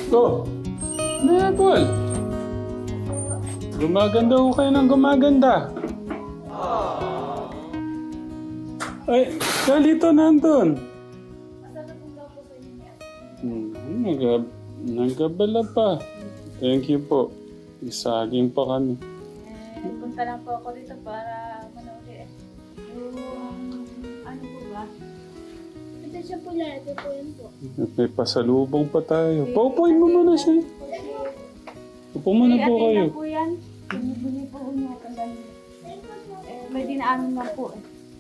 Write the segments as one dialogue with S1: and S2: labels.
S1: Go! Na, Paul! Gumaganda ko kayo ng gumaganda. Ay, kalito nandun. Nagabala pa. Thank you po. Isaging pa kami.
S2: Punta lang po ako dito para manood yung ano po ba?
S3: Ito siya pula, ito po yun po.
S1: May pasalubong pa tayo. Paupuin mo muna siya. Upo muna po kayo.
S2: Po yan. Binibili po niya kagaya. May dinaanan lang po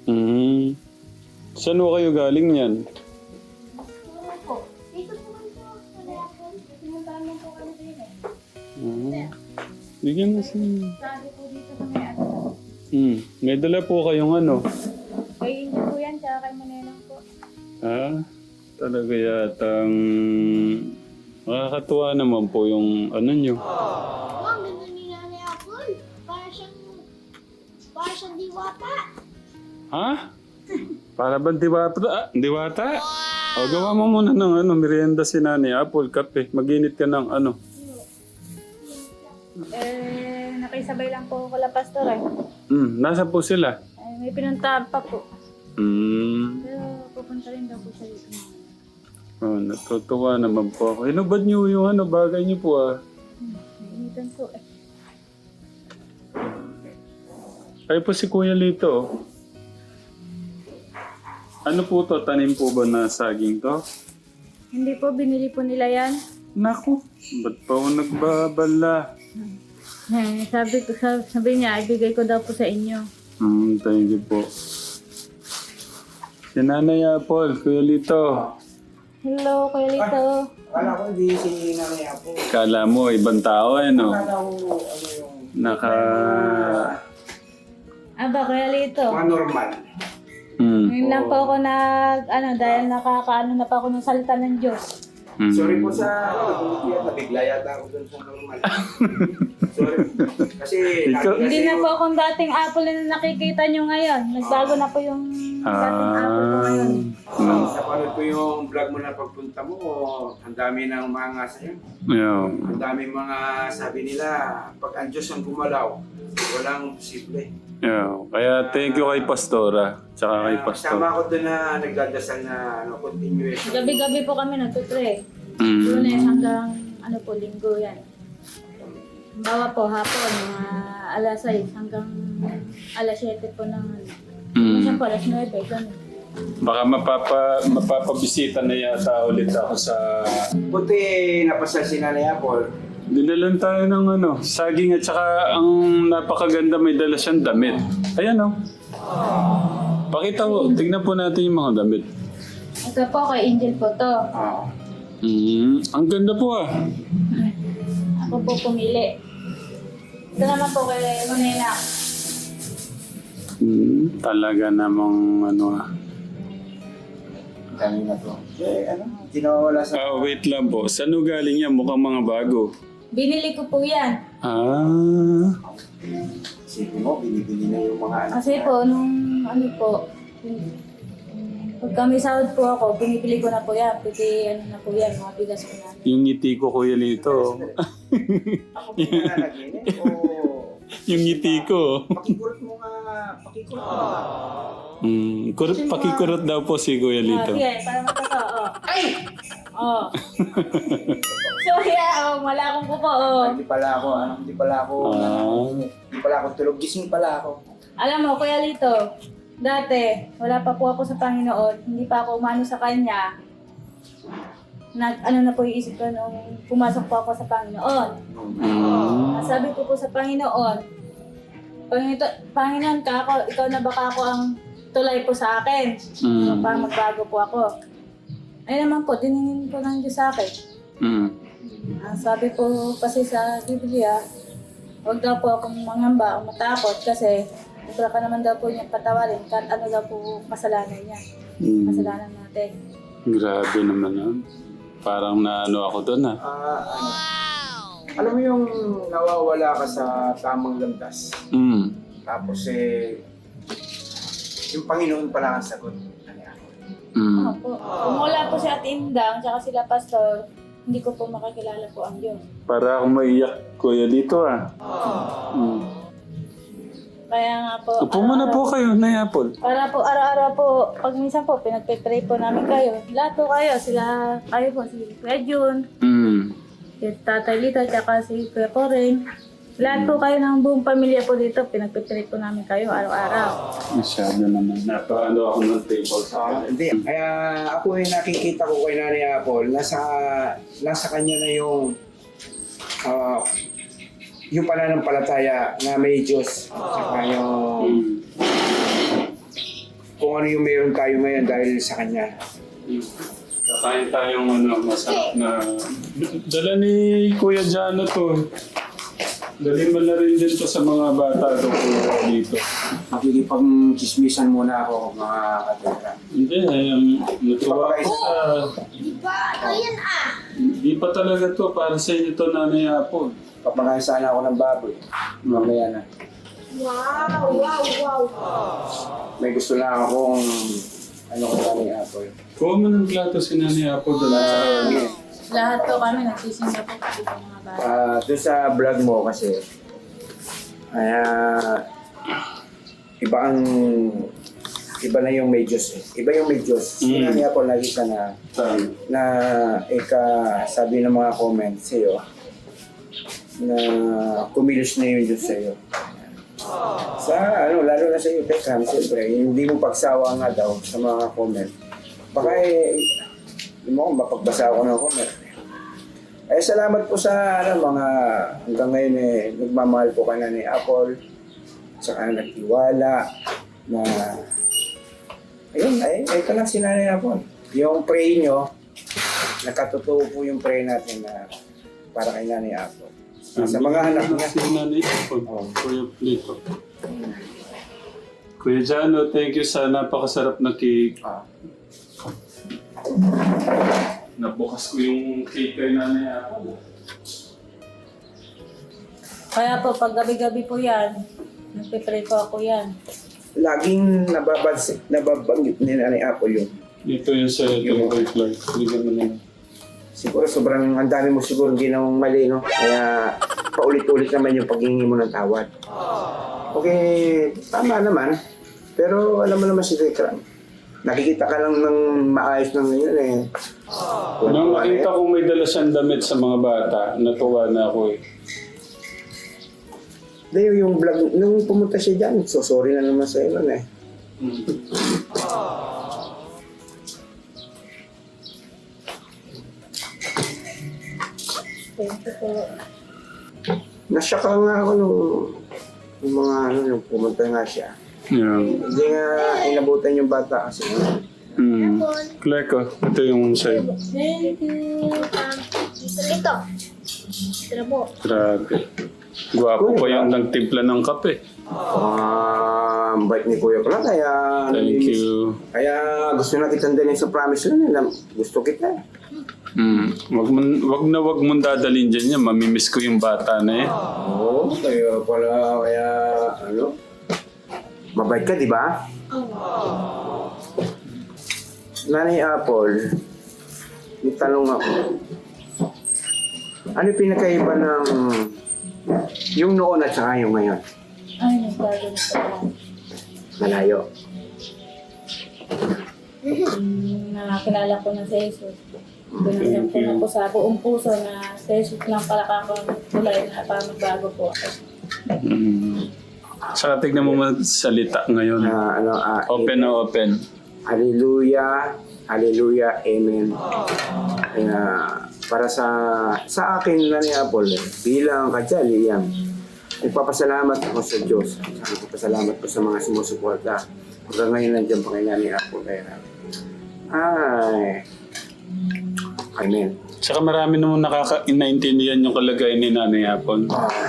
S1: Saan ho kayo galing yan?
S3: Ano po? Dito po kami po. Wala po. Pinuntahan lang po kami dito.
S1: Bigyan mo siya.
S2: Sabi po dito sa may ano.
S1: May dala po kayong ano.
S2: Kay Inyo po yan, tsaka kay Manenang po.
S1: Talaga yatang makakatuwa naman po yung ano nyo.
S3: Oh, ang ganda ni Nanay Apple. Para siyang diwata.
S1: Ha? Para ba diwata? O gawa mo muna ng merienda si Nanay Apple, kape. Mag-init ka ng ano.
S2: Nakisabay lang po ko la pastor
S1: Nasa po sila?
S2: may pinuntahan pa po. Pero pupunta rin daw po siya dito.
S1: Natutuwa naman po ako. Inubad niyo yung bagay niyo po
S2: Nainitan po
S1: Ay po si Kuya Lito. Ano po to? Tanim po ba na saging to?
S2: Hindi po, binili po nila yan.
S1: Naku, ba't pa ako nagbabala?
S2: Sabi niya, ibigay ko daw po sa inyo.
S1: Thank you po. Si Nanay Apple, Kuya Lito.
S2: Hello, Kuya Lito.
S4: Akala ko hindi si Nanay Apo.
S1: Kala mo, ibang tao no?
S4: Akala ko ano yung
S2: Aba, Kuya Lito.
S4: mga normal.
S2: Ngayon lang po ako dahil nakakaano na pa ako ng salita ng Diyos.
S4: Sorry po sa nabigla yata ako dun sa normal. Sorry. Kasi
S2: Hindi na po akong dating apple na nakikita nyo ngayon. Nagbago na po yung dating apple ko ngayon.
S4: Napanood ko yung vlog mo na pagpunta mo, ang dami ng mga sa'yo.
S1: Yeah.
S4: Ang dami mga sabi nila, pag ang Diyos ang gumalaw, walang posible.
S1: Yeah. Kaya thank you kay Pastora. Tsaka kay Pastor.
S4: Tama ako doon na nagdadasal na continuation.
S2: Gabi-gabi po kami nagtutray.
S1: Mm.
S2: Lunes hanggang linggo yan. Bawa po hapon, mga alas 6 hanggang alas 7 po ng Minsan po alas 9, ganun.
S1: Baka mapapabisita na yata ulit ako sa...
S4: Buti napasal si Nanay Apple.
S1: Dinalan tayo ng saging at saka ang napakaganda may dala siyang damit. Ayan Pakita mo, tignan po natin yung mga damit.
S2: Ito po kay Angel po to.
S1: Ang ganda po
S2: Ako po pumili. Ito naman po kay Manena.
S1: Talaga namang
S4: Kanina to. Hindi nawawala sa...
S1: wait lang po. Saan galing yan? Mukhang mga bago.
S2: Binili ko po yan.
S4: Sige mo, binibili na yung mga
S2: Kasi po, nung pag kami sahod po ako, binibili ko na po yan. Pwede na po yan, mga bigas ko na.
S1: Yung ngiti ko, Kuya Lito.
S4: Ako po na naginip o...
S1: Yung ngiti ko.
S4: Pakikurot mo nga, pakikurot mo nga.
S1: Pakikurot daw po si Kuya Lito.
S2: Sige, para matato. Ay! Sorry wala akong kuko.
S4: Hindi pala ako tulog. Gising pala ako.
S2: Alam mo, Kuya Lito, dati, wala pa po ako sa Panginoon, hindi pa ako umano sa Kanya. Na po yung isip ko nung pumasok po ako sa Panginoon. Sabi ko po sa Panginoon, Panginoon ka ako, ikaw na baka ako ang tulay po sa akin. Para magbago po ako. Ay naman po, diningin po ng Diyos sa akin. Sabi po kasi sa Biblia, huwag daw po akong mangamba o matakot kasi sobra ka naman daw po niyang patawarin kahit ano daw po kasalanan niya. Kasalanan natin.
S1: Grabe naman Parang ako doon
S4: Alam mo yung nawawala ka sa tamang landas. Tapos yung Panginoon pala ang sagot.
S2: Opo. Kung wala po si Ate Indang, tsaka sila Pastor, hindi ko po makakilala po ang Diyos.
S1: Para akong maiyak, kuya, dito ah.
S2: Kaya nga po,
S1: Upo muna po kayo, Nay Apple.
S2: para po araw-araw po, pag minsan po, pinagpe-pray po namin kayo. Lahat po kayo, kayo po, si Kuya Jun, si Tatay Lito, tsaka si Kuya Poreng. Lahat po kayo ng buong pamilya po dito, pinagpe-pray po namin kayo araw-araw.
S1: Masyado naman. Napaano ako ng table sa
S4: Hindi. Kaya ako ay nakikita ko kay Nanay Apple, nasa kanya na yung pananampalataya na may Diyos. Saka yung kung ano yung meron tayo ngayon dahil sa Kanya.
S1: Kakain tayong masarap na... Dala ni Kuya Jano to. Dali mo na rin din to sa mga bata dito.
S4: Makikipag-chismisan muna ako, mga katulad.
S1: Hindi, natuwa ako sa... Di pa talaga to, para sa inyo to, Nanay Apple.
S4: Papakain sana ako ng baboy. Mamaya na.
S3: Wow.
S4: May gusto lang akong kay Nanay Apple.
S1: Kuha mo ng plato si Nanay Apple dala sa kanya.
S2: Lahat po kami nagsisimba po kasi po mga bata.
S4: Doon sa vlog mo kasi, iba na yung may Diyos eh. Iba yung may Diyos. Nanay Apple, lagi ka na sabi ng mga comments sa'yo, na kumilos na yung Diyos sa'yo. Lalo na sa'yo, Tekram, siyempre, hindi mo pagsawa nga daw sa mga comment. Baka hindi mo kung mapagbasa ako ng comment. Salamat po sa mga hanggang ngayon nagmamahal po ka na ni Apple, saka nagtiwala na ito lang si Nanay Apple. Yung pray nyo, nakatotoo po yung pray natin na para kay Nanay Apple. Sa mga anak niya.
S1: Si Nanay Apple. Kuya Plito. Kuya Jano, thank you sa napakasarap na cake. Nabukas ko yung cake kay Nanay Apple.
S2: Kaya po, pag gabi-gabi po yan, nagpe-pray po ako yan.
S4: Laging nababanggit ni Nanay Apple yung
S1: Dito yung sa Tungkol Clark. Bigyan mo naman.
S4: siguro sobrang ang dami mo siguro ginawang mali, no? Kaya paulit-ulit naman yung paghingi mo ng tawad. Okay, tama naman. Pero alam mo naman si Tekram, nakikita ka lang ng maayos ng ngayon eh.
S1: Nung makita kong may dala siyang damit sa mga bata, natuwa na ako eh.
S4: Dahil yung vlog, nung pumunta siya dyan, so sorry na naman sa nun eh.
S2: Thank you po.
S4: Nasyak nga ako nung pumunta nga siya.
S1: Yeah.
S4: Hindi nga inabutan yung bata kasi.
S1: Clark, ito yung sa'yo.
S2: Thank you.
S3: Ito. Tira mo.
S1: Grabe. Gwapo pa yung nagtimpla ng kape.
S4: Ang bait ni Kuya Clark, kaya...
S1: Thank you.
S4: Kaya gusto na kitang dalhin sa promise na gusto kita.
S1: Wag mong dadalhin dyan yan. Mamimiss ko yung bata na eh.
S4: Oo, kaya mabait ka, di ba? Nanay Apple, may tanong ako. Ano yung pinakaiba ng yung noon at saka yung ngayon?
S2: Ay, nagbago na po yan.
S4: Malayo.
S2: Nakakilala ko na si Jesus. Binigyan ko na po sa buong puso na si Jesus lang pala kakong tulay na para magbago po ako.
S1: Saka tignan mo salita ngayon. Open na open.
S4: Hallelujah, hallelujah, amen. Kaya para sa akin, Nanay Apple, bilang kadyaliyan, nagpapasalamat ako sa Diyos. Nagpapasalamat ko sa mga sumusuporta. Hanggang ngayon nandiyan pa kay Nanay Apple. Kaya, amen.
S1: Saka marami naman nakaka-inaintindihan yung kalagayan ni Nanay Apple.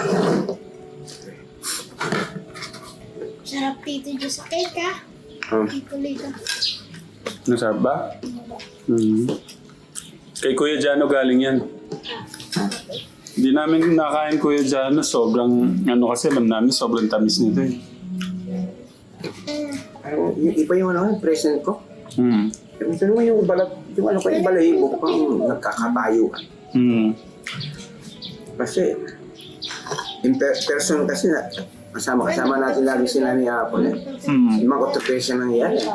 S3: Sarap dito dyan sa cake, ha? Dito lito.
S1: Nasarap ba? Kay Kuya Jano galing yan. Hindi namin nakain Kuya Jano. Sobrang, kasi alam namin, sobrang tamis nito eh.
S4: Iba yung present ko. Ito mo yung balat, yung balahibo ko kang nagkakatayuan.
S1: Mm.
S4: Kasi, person kasi na, kasama natin lagi sila ni Apple eh.
S1: Mm.
S4: Yung mga occupation ng iyan eh.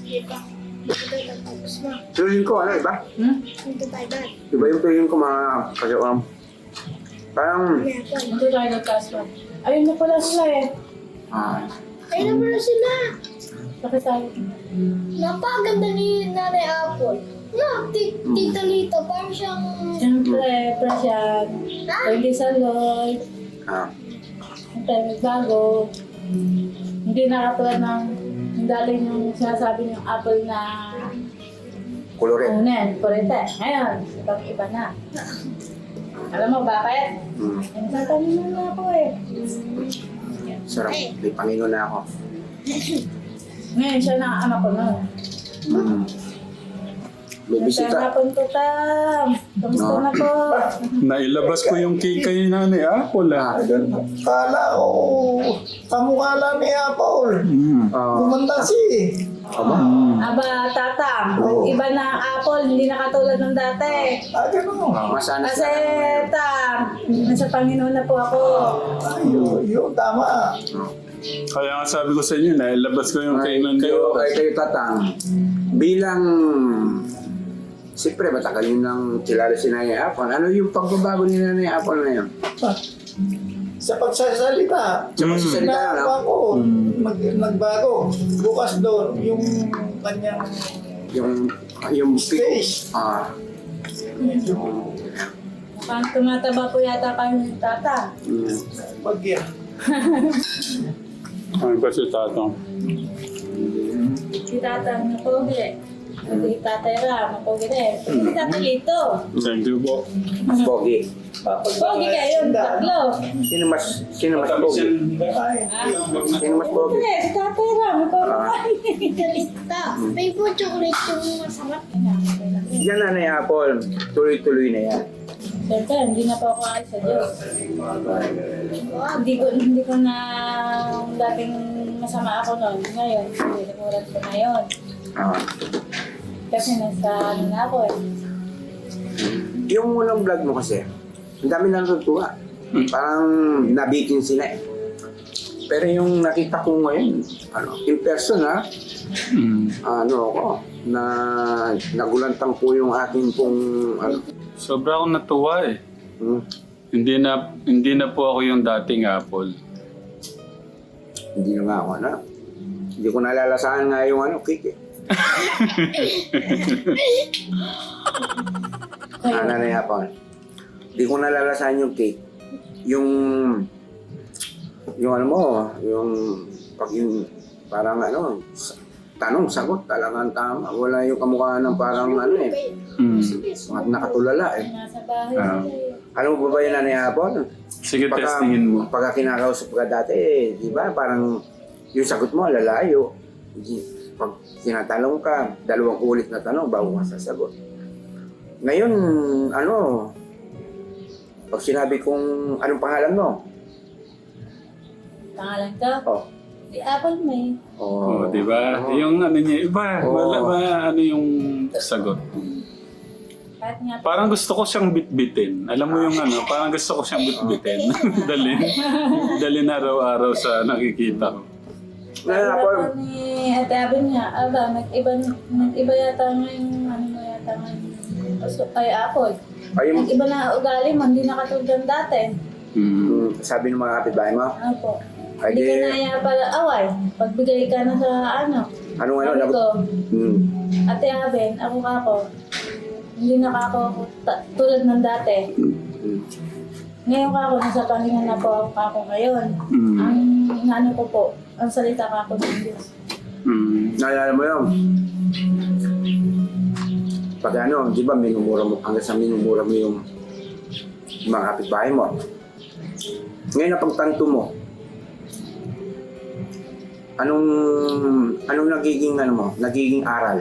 S4: Feeling ko, ano, iba?
S3: Dito tayo dad.
S4: Iba yung feeling ko mga kagawang. Parang,
S2: Ito tayo nagkaswa. Ayun na pala sila eh.
S3: Ayun na pala sila.
S2: Bakit tayo?
S3: Napakaganda ni Nanay Apple. No, Tita Lito, parang siyang...
S2: Siyempre, Prasyan. Pwede sa Lloyd. Siyempre, may bago. Hindi nakatulad ng daling yung sinasabi yung apple na
S4: koloret.
S2: unen, kurete. Ngayon, ibang iba na. Alam mo bakit? Nagtatanim na ako eh.
S4: Sarap, may Panginoon na ako.
S2: Ngayon, siya na ang anak ko nun.
S4: May bisita.
S2: Hapon ko, Tam. Kamusta na po?
S1: Nailabas ko yung cake kay Nanay Apple
S5: Kala ko, kamukha lang ni Apple. Gumanda si.
S2: Aba, Tatam. Iba na ang apple, hindi na katulad ng dati.
S5: Ganun.
S4: Masanas
S2: Kasi, Tam, nasa Panginoon na po ako.
S5: Yun, tama.
S1: Kaya nga sabi ko sa inyo, nailabas ko yung kay Nanay
S4: Kayo Tatang, bilang siyempre matagal yun nang kilala si Nanay Apple. Ano yung pagbabago ni Nanay Apple na yun?
S5: Sa pagsasalita,
S4: Sa magsasalita na
S5: nagawa ko, nagbago. Bukas doon, yung kanyang
S4: yung
S5: stage.
S2: Mukhang tumataba po yata kayo ng Tata.
S5: Bagya.
S1: Ano ba si Tatang?
S2: Si Tata, napogi. Si Tatay Ram, napogi rin. Si Tata Lito.
S1: Thank you po.
S4: Mas pogi.
S2: Pogi kayo, tatlo.
S4: Sino mas pogi? Sino mas pogi?
S2: Hindi, si Tatay Ram, napogi.
S3: Tita, may po chocolate yung masarap.
S4: Yan Nanay Apple, tuloy-tuloy na yan.
S2: Siyempre, hindi na po ako alis sa Diyos. Hindi ko na dating masama ako noon. Ngayon, hindi namulat ko na yun. Kasi nasa ano na ako eh.
S4: Yung unang vlog mo kasi, ang dami na natutuwa. Parang nabitin sila eh. Pero yung nakita ko ngayon, in person ako, na nagulantang po yung akin pong
S1: Sobra akong natuwa eh. Hindi na po ako yung dating Apple.
S4: Hindi na nga ako hindi ko nalalasahan nga yung cake eh. Nanay Apple. Hindi ko nalalasahan yung cake. Yung ano mo, pag yung parang tanong, sagot, talagang tama. Wala yung kamukha ng parang nakatulala eh.
S2: Nasa bahay sila eh.
S4: Alam mo ba yun, Nanay Apple?
S1: Sige, testingin mo.
S4: Pagka kinakausap ka dati, di ba, parang yung sagot mo, lalayo. Pag tinatanong ka, 2 ulit na tanong bago ka sasagot. Ngayon, pag sinabi kong anong pangalan mo?
S2: Pangalan ko? Si Apple May.
S1: Oh, di ba? Yung niya, iba. Wala ba yung sagot?
S2: Kahit nga
S1: Parang gusto ko siyang bitbitin. Alam mo yung parang gusto ko siyang bitbitin. Dalhin araw-araw sa nakikita ko.
S4: Nanay Apple,
S2: ni Ate Abin niya, nag-iba yata ngayon, ay Apple. Nag-iba na ugali mo, hindi na katulad ng dati.
S4: sabi ng mga kapitbahay mo,
S2: Opo.
S4: Ay,
S2: Hindi ka
S4: di-
S2: na kaya pala away. Pagbigay ka na sa
S4: anong
S2: sabi ko,
S4: Hmm.
S2: Ate Abin, ako kako. Hindi na kako tulad ng dati. Ngayon kako, nasa Panginoon na po ako kako ngayon. Ang inaano ko po, ang salita kako ng Diyos.
S4: Naalala mo yun? Pag di ba, minumura mo, hanggang sa minumura mo yung mga kapitbahay mo. Ngayon na pagtanto mo, anong nagiging aral?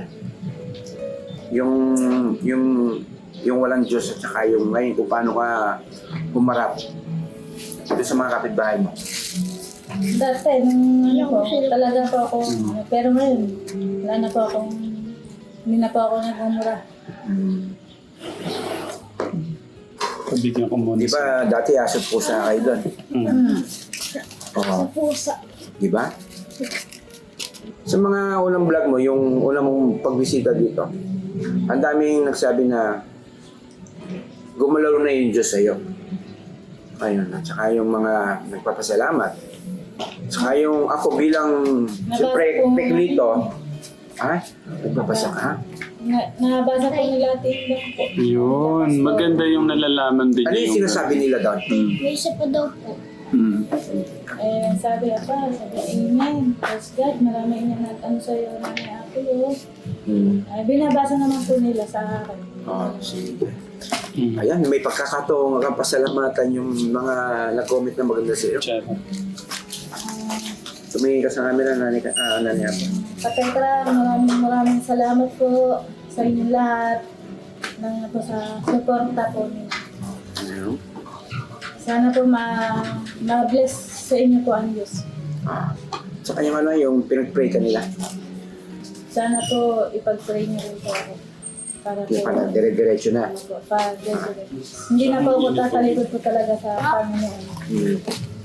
S4: Yung walang Diyos at saka yung ngayon kung paano ka humarap dito sa mga kapitbahay mo.
S2: Dati, talaga po ako, pero ngayon, wala na po akong, hindi na po ako nagmumura.
S1: Bigyan ko muna.
S4: Di ba dati aso pusa kayo doon?
S1: Mm.
S4: Oo.
S3: Pusa.
S4: Di ba? Sa mga unang vlog mo, yung unang mong pagbisita dito, ang daming nagsabi na gumalaw na yung Diyos sa'yo. Ayun, at saka yung mga nagpapasalamat. Saka yung ako bilang, siyempre, peklito, ha? Nagpapasa ka?
S2: Nabasa po nila tingnan po.
S1: Yun, maganda yung nalalaman din
S4: Ano yung sinasabi nila doon?
S3: May isa pa daw po.
S1: Mm.
S2: Eh, sabi amen. Praise God, marami niya nag-ano sa'yo, nanay ako yun. Binabasa naman po nila sa akin.
S4: Oh, sige.
S1: Mm.
S4: Ayan, may pagkakataong pasalamatan yung mga nag-comment na maganda sa'yo.
S1: Tsaka.
S4: Tumingin ka sa camera, nanay ako.
S2: Patentra, maraming salamat po sa inyo lahat ng po sa suporta po niyo.
S4: Ano?
S2: Sana po ma-bless sa inyo po ang Diyos.
S4: Sa kanyang ano, yung pinag-pray ka nila.
S2: Sana po ipag-pray niyo rin po ako. Para po,
S4: Yung pala, dire-diretso na.
S2: ano po, hindi na po ako tatalikod po talaga sa Panginoon.
S4: Hmm.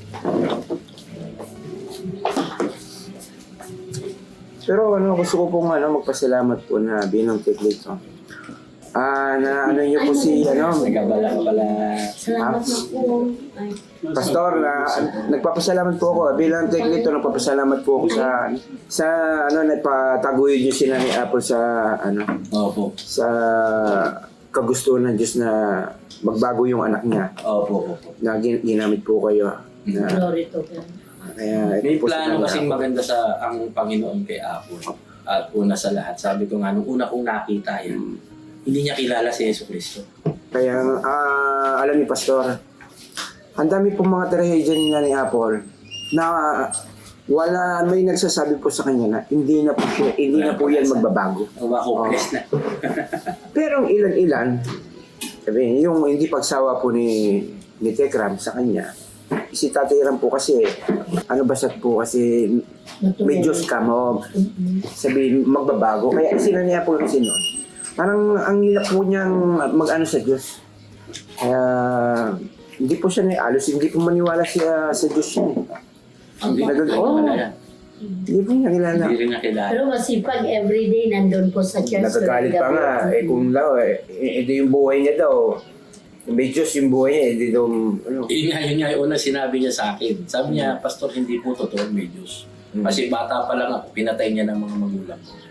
S4: Pero ano, gusto ko pong magpasalamat po na binang teknik. Na ano niyo po si
S6: Nagkabala ka pala.
S3: Salamat na po. Ay,
S4: Pastor, nagpapasalamat po ako bilang teknik nagpapasalamat po ako sa nagpataguyod niyo sila ni Apple sa
S6: Opo.
S4: sa kagustuhan ng Diyos na magbago yung anak niya.
S6: Opo.
S4: Na ginamit po kayo. Na,
S3: glory to God.
S4: kaya,
S6: May
S4: ito po
S6: plano
S4: sa
S6: kasing maganda sa ang Panginoon kay Apple. At una sa lahat, sabi ko nga, nung una kong nakita yan, hindi niya kilala si Yesu Cristo.
S4: Kaya, alam ni Pastor, ang dami pong mga trahedya ni Nanay Apple na may nagsasabi po sa kanya na hindi na po yan magbabago.
S6: Ang hopeless na.
S4: Pero ang ilan-ilan, sabi, yung hindi pagsawa po ni Tekram sa kanya, si Tatay Ram po kasi, basta't po kasi may Diyos ka mo, sabi magbabago. Kaya sinaniya po kasi noon. Parang ang nila po niyang mag-ano sa Diyos. Kaya hindi po siya naialos, hindi po maniwala siya sa Diyos niya.
S6: Hindi na
S4: Oo. Hindi po niya kilala.
S6: Hindi rin niya kilala.
S3: Pero masipag everyday nandun po sa church.
S4: Nagagalit pa nga, kung daw, ito yung buhay niya daw. Kung may Diyos yung buhay niya, hindi daw,
S6: Yun nga yung una sinabi niya sa akin. Sabi niya, Pastor, hindi po totoo may Diyos. Kasi bata pa lang ako, pinatay niya ng mga magulang ko.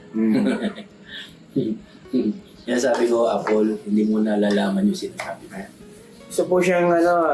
S6: Kaya sabi ko, Apple, hindi mo nalalaman yung sinasabi niya.
S4: So po siyang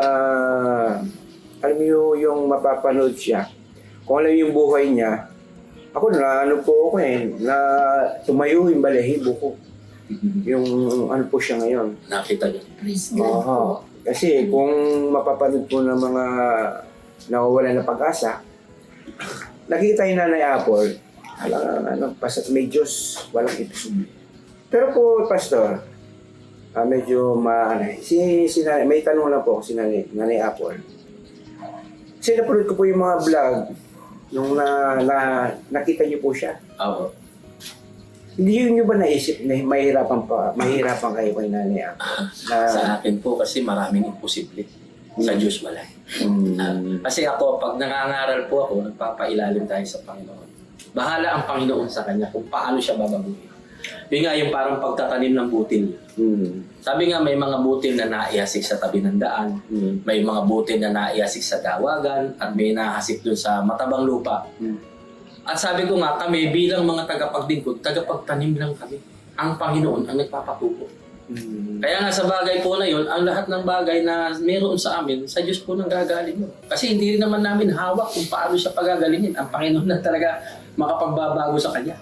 S4: alam mo yung mapapanood siya. Kung alam yung buhay niya, ako na na tumayo yung balahibo ko. Yung po siya ngayon.
S6: Nakita niya.
S3: Praise God po.
S4: Oo. Kasi kung mapapanood po ng mga nawawala na pag-asa, nakita yung Nanay Apple, may Diyos, walang itusubli. Pero po, Pastor, medyo si Nanay, may tanong lang po si Nanay Apple. Kasi napanood ko po yung mga vlog, nung nakita niyo po siya.
S6: Oo.
S4: Hindi niyo ba naisip na mahirapan kayo kay Nanay Apple?
S6: Sa akin po kasi maraming imposible. Sa Diyos wala. Kasi ako, pag nangangaral po ako, nagpapailalim tayo sa Panginoon. Bahala ang Panginoon sa Kanya kung paano siya babaguhin. Yun nga yung parang pagtatanim ng butil. Sabi nga may mga butil na naiasik sa tabi ng daan, may mga butil na naiasik sa dawagan, at may nahasik dun sa matabang lupa. At sabi ko nga, kami bilang mga tagapagdingkod, tagapagtanim lang kami. Ang Panginoon ang nagpapatubo. Kaya nga sa bagay po na yun, ang lahat ng bagay na meron sa amin, sa Diyos po nang gagaling yun. Kasi hindi rin naman namin hawak kung paano siya pagagalingin. Ang Panginoon na talaga makapagbabago sa Kanya.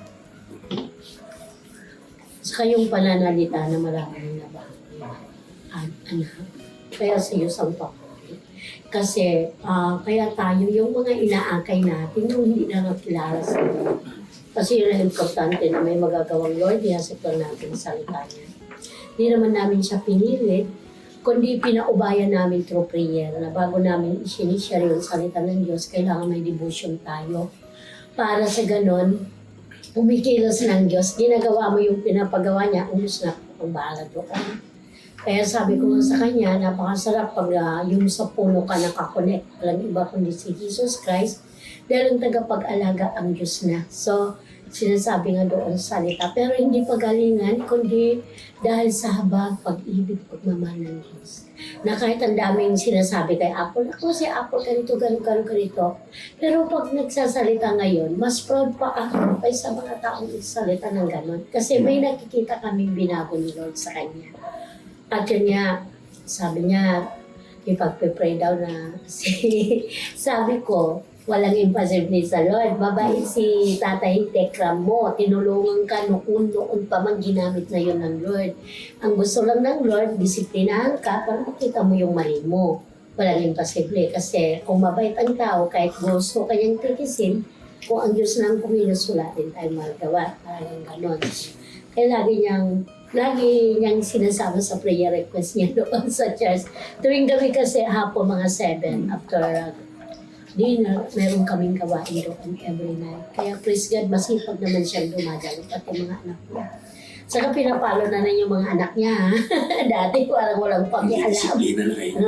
S3: Sa kayong pananalita na maraming nabago. Anak, kaya sa iyo ang papuri. Kasi kaya tayo, yung mga inaakay natin, yung hindi na nakilala sa iyo. Kasi yun ang importante na may magagawang Lord, ihasip lang natin sa salita niya. Hindi naman namin siya pinilit, kundi pinaubayan namin through prayer na bago namin isinishare yung salita ng Diyos, kailangan may devotion tayo. Para sa ganon, pumikilos ng Diyos, ginagawa mo yung pinapagawa niya, ang Diyos na ang bahala doon. Kaya sabi ko nga sa kanya, napakasarap pag yung sa puno ka nakakonect. Walang iba kundi si Jesus Christ. Dahil ang tagapag-alaga ang Diyos na. So, sinasabi nga doon sa salita. Pero hindi pagalingan, kundi dahil sa habang pag-ibig, pagmamahal ng Diyos. Na kahit ang daming sinasabi kay Apple, ako si Apple, ganito, ganito. Pero pag nagsasalita ngayon, mas proud pa ako kaysa mga taong nagsasalita ng ganon. Kasi may nakikita kaming binago ni Lord sa kanya. At yun niya, sabi niya, ipagpe-pray daw na sabi ko, walang imposible sa Lord. Mabait si Tatay Tekram mo. Tinulungan ka noon pa man ginamit na yun ng Lord. Ang gusto lang ng Lord, disiplinahan ka para makita mo yung mali mo. Walang imposible. Kasi kung mabait ang tao, kahit gusto kanyang tikisin, kung ang Diyos lang kumilos, wala din tayong magagawa. Parang ganon. Kaya lagi niyang sinasama sa prayer request niya doon sa church. Tuwing gabi kasi hapon mga 7 after dinner, meron kaming gawain doon every night. Kaya praise God, masipag naman siyang dumadalo pati mga anak niya. Saka pinapalo na yung mga anak niya. Ha? Dati parang walang pakialam.
S6: Disiplina na kayo.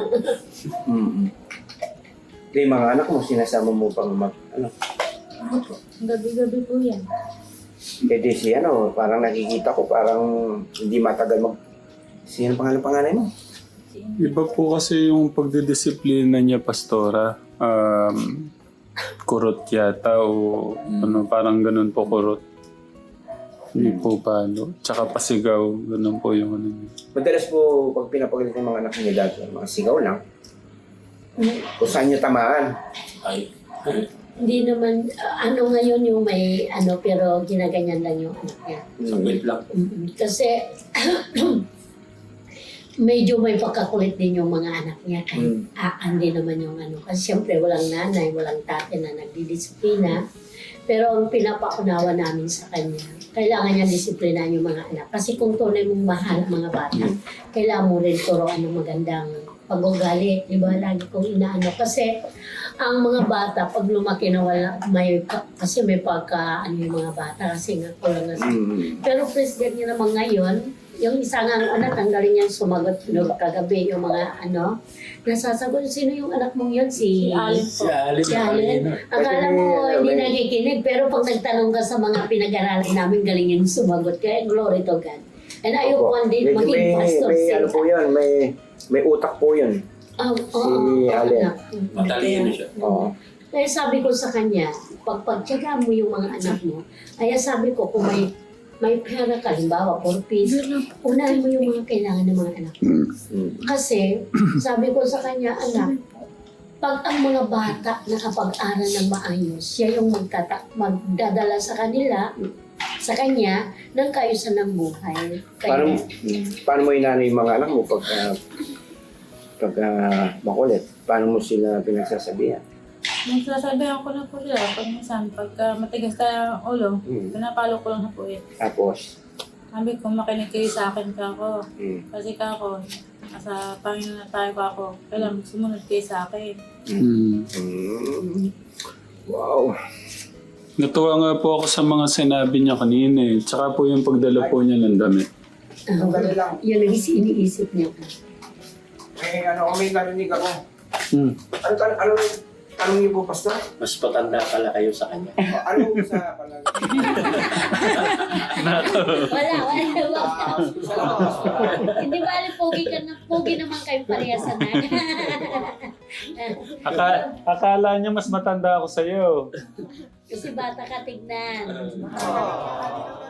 S4: Yung mga anak mo, sinasama mo pang
S2: Opo, gabi-gabi po yan.
S4: Pwede si parang nakikita ko, parang hindi matagal Sino pangalan mo?
S1: Iba po kasi yung pagdidisiplina niya, Pastora. Kurot yata o parang ganun po kurot. Hindi po palo. Tsaka pasigaw, ganun po yung ano niya.
S4: Madalas po, pag pinapagalit ng mga anak niya dati, mga sigaw lang. Kung saan niya tamaan.
S6: Ay.
S3: Hindi naman, ngayon yung may pero ginaganyan lang yung anak niya.
S6: Wait lang.
S3: Kasi medyo may pagkakulit din yung mga anak niya. Kahit hindi naman yung Kasi siyempre walang nanay, walang tate na nagdidisiplina. Pero ang pinapaunawa namin sa kanya, kailangan niya disiplinan yung mga anak. Kasi kung tunay mong mahal ang mga bata, kailangan mo rin turuan ng magandang pag-ugali. Diba? Lagi kong inaano. Kasi ang mga bata, pag lumaki na wala, kasi may yung mga bata, kasi nga kulang na. Pero president niya naman ngayon, yung isa nga anak, ang galing niyang sumagot kagabi, yung mga nasasagot, sino yung anak mong yun? Si
S2: Allen po.
S3: Si Allen. Akala mo hindi nakikinig, pero pag nagtanong ka sa mga pinag-aralan namin, galing yung sumagot. Kaya glory to God. And ayoko hindi maging pastor
S4: may
S3: sila.
S4: po yun, may utak po yun. Si Allen.
S6: Matalino siya.
S4: Oo.
S3: Kaya sabi ko sa kanya, pagtyaga mo yung mga anak mo, kaya sabi ko, kung may pera ka, halimbawa, 4 piece, unahin mo yung mga kailangan ng mga anak mo. Kasi, sabi ko sa kanya, anak, pag ang mga bata nakapag-aral ng maayos, siya yung magdadala sa kanya, ng kaayusan ng buhay.
S4: Paano mo inanay yung mga anak mo pag makulit? Paano mo sila pinagsasabihan?
S2: Nagsasabihan ko na po sila pag minsan, pagka matigas tayo ang ulo, pinapalo ko lang na po eh.
S4: Tapos?
S2: Sabi ko, makinig kayo sa akin kako. Kasi kako, nasa Panginoon na tayo kako. Kailangan sumunod kayo sa akin.
S4: Wow!
S1: Natuwa nga po ako sa mga sinabi niya kanina eh. Tsaka po yung pagdala po niya ng damit.
S3: Yun ang iniisip niya.
S4: May narinig ako. Ano tanong niyo po, Pastor?
S6: Mas patanda pala kayo sa kanya.
S4: Ano sa palagi?
S3: Wala. Hindi ba pogi naman kayo parehas na.
S1: Akala niya mas matanda ako sa'yo.
S3: Kasi bata ka tignan.